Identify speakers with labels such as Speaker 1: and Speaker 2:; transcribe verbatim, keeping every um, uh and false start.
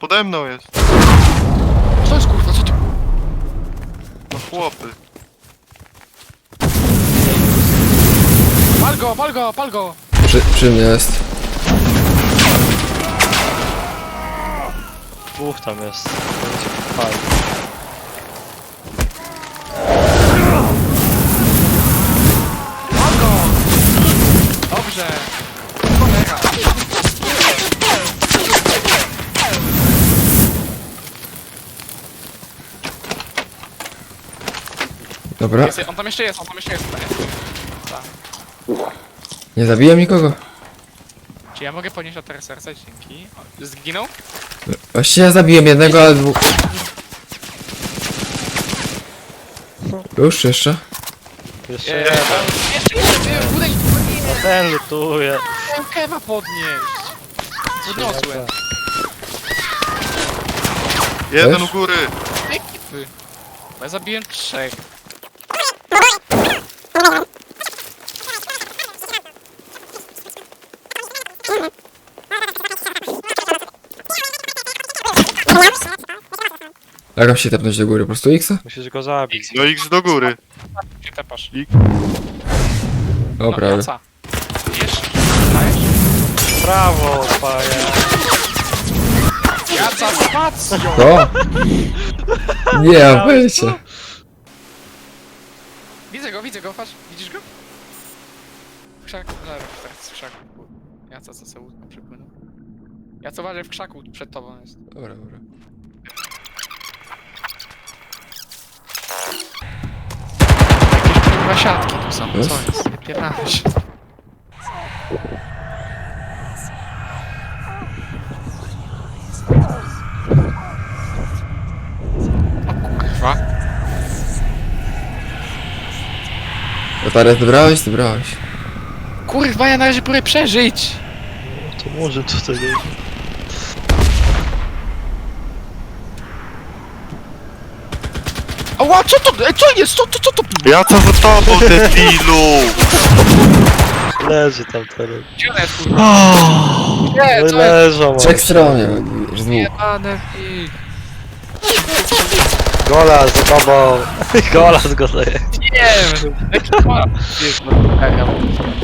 Speaker 1: Pode mną jest.
Speaker 2: Co jest kurwa, co ty?
Speaker 1: No chłopy.
Speaker 2: Pal go, pal go, pal go!
Speaker 3: Przy, przy mnie jest.
Speaker 4: Dwóch tam jest. Fajnie.
Speaker 2: Pal go! Dobrze! Cholera!
Speaker 3: Dobra.
Speaker 2: Jest, on tam jeszcze jest, on tam jeszcze jest. Tak.
Speaker 3: Nie zabiłem nikogo.
Speaker 2: Czy ja mogę podnieść teraz serce? Dzięki. O, zginął?
Speaker 3: Właściwie ja zabiłem jednego, ale dwóch. Już jeszcze?
Speaker 4: Jeszcze
Speaker 2: Eee,
Speaker 4: jeden.
Speaker 2: jeszcze, jeszcze, udeś,
Speaker 4: No ten lutuje.
Speaker 2: chciałem kewa podnieść. Podniosłem.
Speaker 1: Jeden
Speaker 3: Też?
Speaker 1: u góry.
Speaker 2: Ekipy. Bo ja zabiłem trzech.
Speaker 3: Jak mam się tepnąć do góry? Po prostu X?
Speaker 4: Musisz go zabić.
Speaker 1: No X do góry.
Speaker 2: Gdzie tepasz?
Speaker 3: O, prawie.
Speaker 2: Jaca. Wiesz? Dajesz?
Speaker 4: Brawo, paja.
Speaker 2: Jaca, spacją!
Speaker 3: To? Nie, ja wyjście.
Speaker 2: Widzę go, widzę go, patrz. Widzisz go? W krzaku, zaraz, teraz w krzaku. Jaca, co sobie łódką przypłynął. Jaca, uważaj, w krzaku przed tobą jest.
Speaker 3: Dobra, dobra.
Speaker 2: Jakieś kurwa siatki tu są,
Speaker 3: Jest?
Speaker 2: co jest? Nie pierdolę się. O kurwa.
Speaker 3: Baterię zebrałeś? Zebrałeś.
Speaker 2: Kurwa, ja na razie próbuję przeżyć!
Speaker 4: To może tutaj nie.
Speaker 2: Ała, co to? E, co jest? Co to? Co to?
Speaker 1: Ja co za tobą, debilu?
Speaker 4: Leży tam teraz.
Speaker 2: Gdzie ona jest, kurwa? Nie,
Speaker 4: No
Speaker 2: co jest?
Speaker 4: leżą.
Speaker 3: Trzech stron, nie, już dwóch.
Speaker 2: Jebane i...
Speaker 4: Golas za tobą. Golas go daje.
Speaker 2: Nie wiem! Jaki kolor jest, no,